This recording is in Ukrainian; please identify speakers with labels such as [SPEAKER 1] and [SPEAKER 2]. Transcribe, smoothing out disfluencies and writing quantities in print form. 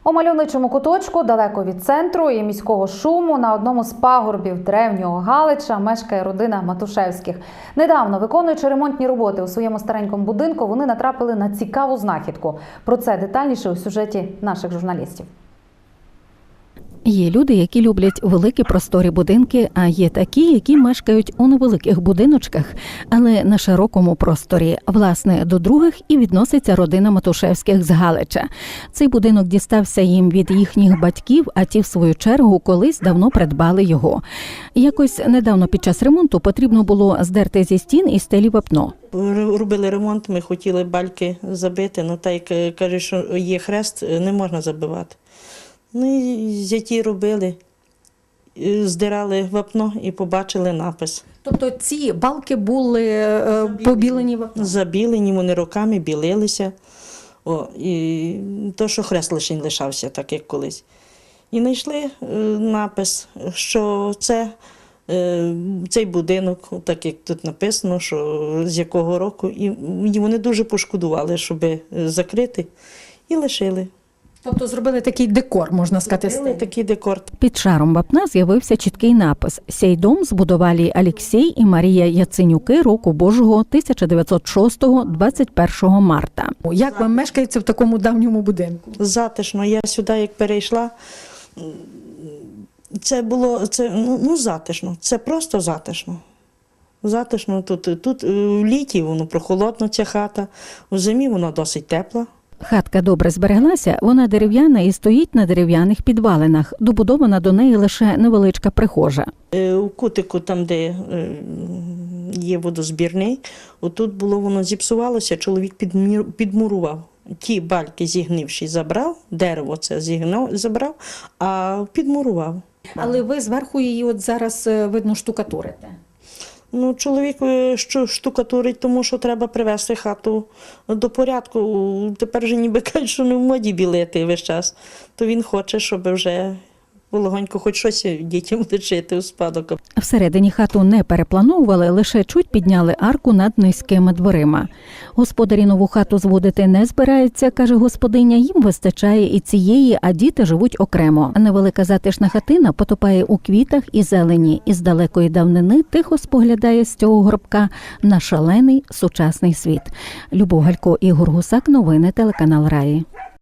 [SPEAKER 1] У мальовничому куточку, далеко від центру і міського шуму, на одному з пагорбів древнього Галича мешкає родина Матушевських. Недавно, виконуючи ремонтні роботи у своєму старенькому будинку, вони натрапили на цікаву знахідку. Про це детальніше у сюжеті наших журналістів.
[SPEAKER 2] Є люди, які люблять великі просторі будинки, а є такі, які мешкають у невеликих будиночках, але на широкому просторі. Власне, до других і відноситься родина Матушевських з Галича. Цей будинок дістався їм від їхніх батьків, а ті, в свою чергу, колись давно придбали його. Якось недавно під час ремонту потрібно було здерти зі стін і стелі вапно.
[SPEAKER 3] Робили ремонт, ми хотіли бальки забити, але так як кажуть, що є хрест, не можна забивати. Ну і зяті робили, здирали вапно і побачили напис.
[SPEAKER 2] Тобто ці балки були побілені вапном?
[SPEAKER 3] Забілені, вони роками білилися. І то, що хрест лишень лишався, так як колись. І знайшли напис, що це цей будинок, так як тут написано, що з якого року. І вони дуже пошкодували, щоб закрити, і лишили.
[SPEAKER 2] Тобто зробили такий декор, можна сказати.
[SPEAKER 3] Зробили такий декор.
[SPEAKER 2] Під шаром вапна з'явився чіткий напис «Сей дом збудували Алексій і Марія Яценюки року Божого 1906 21 марта». Як вам мешкається в такому давньому будинку?
[SPEAKER 3] Затишно. Я сюди, як перейшла, це було затишно. Це просто затишно. Затишно тут. Тут в літі воно прохолодно, ця хата, в зимі вона досить тепла.
[SPEAKER 2] Хатка добре збереглася, вона дерев'яна і стоїть на дерев'яних підвалинах. Добудована до неї лише невеличка прихожа.
[SPEAKER 3] У кутику, там, де є водозбірний, отут було воно зіпсувалося, чоловік підмурував. Ті бальки зігнивші забрав, дерево це забрав, а підмурував.
[SPEAKER 2] Але ви зверху її от зараз, видно, штукатурите.
[SPEAKER 3] Ну, чоловік штукатурить, тому що треба привести хату до порядку. Тепер вже ніби кажуть, що не в моді білити весь час. То він хоче, щоб вже легонько хоч щось дітям лишити у спадок.
[SPEAKER 2] Всередині хату не переплановували, лише чуть підняли арку над низькими дверима. Господарі нову хату зводити не збираються, каже господиня, їм вистачає і цієї, а діти живуть окремо. Невелика затишна хатина потопає у квітах і зелені, і з далекої давнини тихо споглядає з цього гробка на шалений сучасний світ. Любов Галько, Ігор Гусак, новини телеканал Раї.